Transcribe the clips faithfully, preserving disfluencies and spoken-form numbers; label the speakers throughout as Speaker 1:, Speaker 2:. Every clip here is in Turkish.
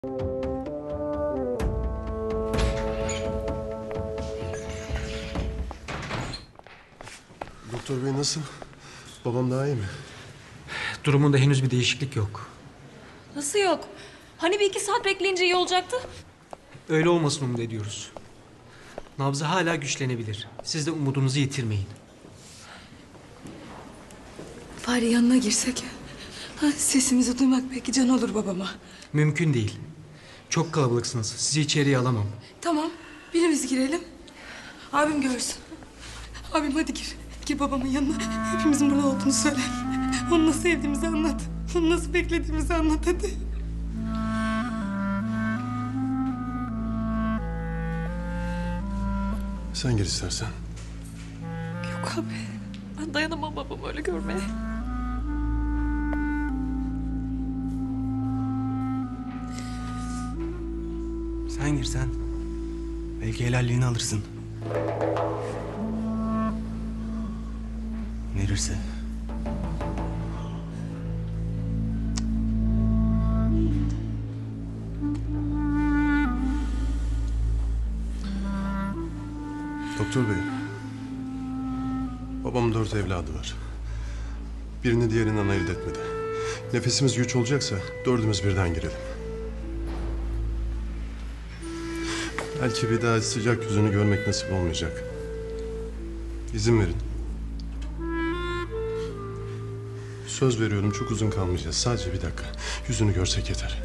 Speaker 1: Doktor bey nasıl? Babam daha iyi mi?
Speaker 2: Durumunda henüz bir değişiklik yok.
Speaker 3: Nasıl yok? Hani bir iki saat bekleyince iyi olacaktı?
Speaker 2: Öyle olmasını umut ediyoruz. Nabzı hala güçlenebilir. Siz de umudunuzu yitirmeyin.
Speaker 4: Bari yanına girsek. Ha, sesimizi duymak belki can olur babama.
Speaker 2: Mümkün değil. Çok kalabalıksınız. Sizi içeriye alamam.
Speaker 4: Tamam, birimiz girelim. Abim görsün. Abim hadi gir. Gir babamın yanına. Hepimizin burada olduğunu söyle. Onu nasıl sevdiğimizi anlat. Onu nasıl beklediğimizi anlat hadi.
Speaker 1: Sen gir istersen.
Speaker 3: Yok abi. Ben dayanamam babamı öyle görmeye.
Speaker 5: Sen gir sen. Belki helalliğini alırsın. Verirse.
Speaker 1: Doktor bey. Babamın dört evladı var. Birini diğerinden ayırt etmedi. Nefesimiz güç olacaksa dördümüz birden girelim. Belki bir daha sıcak yüzünü görmek nasip olmayacak. İzin verin. Söz veriyorum çok uzun kalmayacağız. Sadece bir dakika. Yüzünü görsek yeter.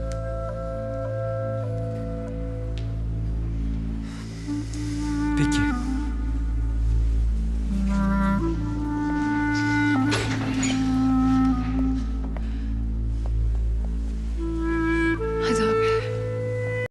Speaker 2: Peki.